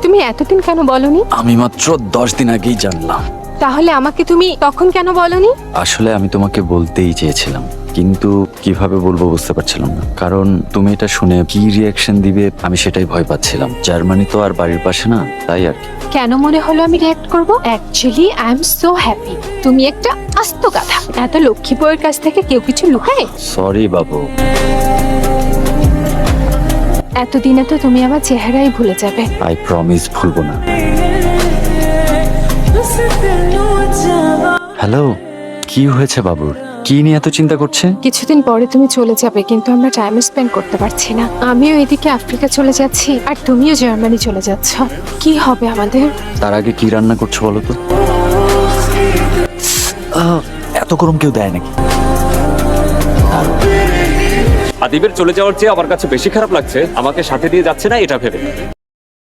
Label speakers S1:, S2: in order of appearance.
S1: তুমি এতদিন কেন বলনি?
S2: আমি মাত্র 10 দিন আগেই জানলাম।
S1: তাহলে আমাকে তুমি তখন কেন বলনি?
S2: আসলে আমি তোমাকে বলতেই চেয়েছিলাম, কিন্তু কিভাবে বলবো বুঝতে পারছিলাম না। কারণ তুমি এটা শুনে কি রিয়াকশন দিবে আমি সেটাই ভয় পাচ্ছিলাম। জার্মানি তো আর বাড়ির পাশে না, তাই আর কি।
S1: কেন মনে হলো আমি রিঅ্যাক্ট করব? Actually I am so happy. তুমি একটা আস্ত গাধা। এত লক্ষ্মী বউয়ের কাছ থেকে কেউ কিছু লুকায়?
S2: সরি বাবু।
S1: এতদিনে তো তুমি আমার চেহারাই ভুলে যাবে।
S2: আই প্রমিস ভুলবো না। হ্যালো, কি হয়েছে বাবুর? কি নিয়ে এত চিন্তা করছে?
S1: কিছুদিন পরে তুমি চলে যাবে, কিন্তু আমরা টাইম স্পেন্ড করতে পারছি না। আমিও এদিকে আফ্রিকা চলে যাচ্ছি, আর তুমিও জার্মানি চলে যাচ্ছ। কি হবে আমাদের?
S2: তার আগে কি রান্না করছো বলো তো? এত গরম কেউ দেয় নাকি?
S3: আদিবের চলে যাওয়ার চেয়ে আমার কাছে বেশি খারাপ লাগছে আমাকে সাথে দিয়ে যাচ্ছে না এটা ভেবে।